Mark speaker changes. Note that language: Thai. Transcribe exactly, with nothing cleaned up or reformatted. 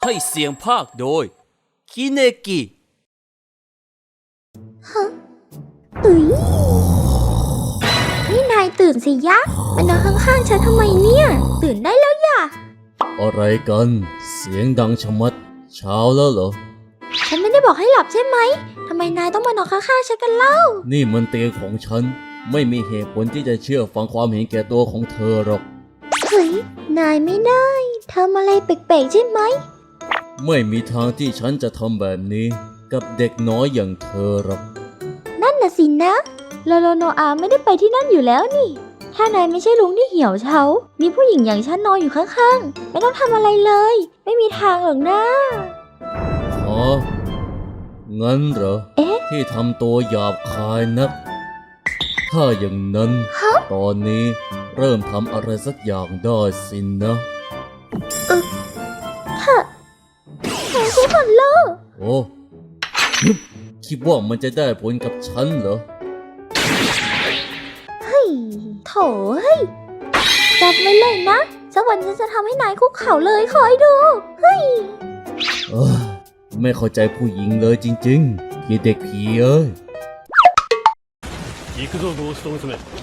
Speaker 1: ให้เสียงภาคโดยคิเนกิ
Speaker 2: ฮะเอ้ยนี่นายตื่นสิยะมานอนข้างๆฉันทำไมเนี่ยตื่นได้แล้วย่ะ
Speaker 3: อะไรกันเสียงดังชะมัดเช้าแล้วเหรอ
Speaker 2: ฉันไม่ได้บอกให้หลับใช่ไหมทำไมนายต้องมานอนข้างๆฉันกันเล่า
Speaker 3: นี่มันเตียงของฉันไม่มีเหตุผลที่จะเชื่อฟังความเห็นแก่ตัวของเธอหรอก
Speaker 2: เฮ้ยนายไม่ได้ทำอะไรแปลกๆใช่ไหม
Speaker 3: ไม่มีทางที่ฉันจะทำแบบนี้กับเด็กน้อยอย่างเธอหรอก
Speaker 2: นั่นน่ะสินะโลโลโนอาไม่ได้ไปที่นั่นอยู่แล้วนี่ถ้านายไม่ใช่ลุงที่เหี่ยวเฉามีผู้หญิงอย่างฉันนอนอยู่ข้างๆไม่ต้องทำอะไรเลยไม่มีทางหรอกนะ
Speaker 3: อ๋องั้นเหรอ
Speaker 2: เอ๊ะ
Speaker 3: ที่ทำตัวหยาบคายนักถ้าอย่างนั้นตอนนี้เริ่มทำอะไรสักอย่างได้สินนะ
Speaker 2: เออค่ะไม่ใช่ผลโลก
Speaker 3: โอ้คิดว่ามันจะได้ผลกับฉันเหรอ
Speaker 2: เฮ้ยโถเฮ้ยจับไว้เลยนะสักวันฉันจะทำให้นายคุกเข่าเลยคอยดูเฮ้ย
Speaker 3: เออไม่เข้าใจผู้หญิงเลยจริงๆพี่เด็กผีเอ้ย
Speaker 4: 行くぞゴースト娘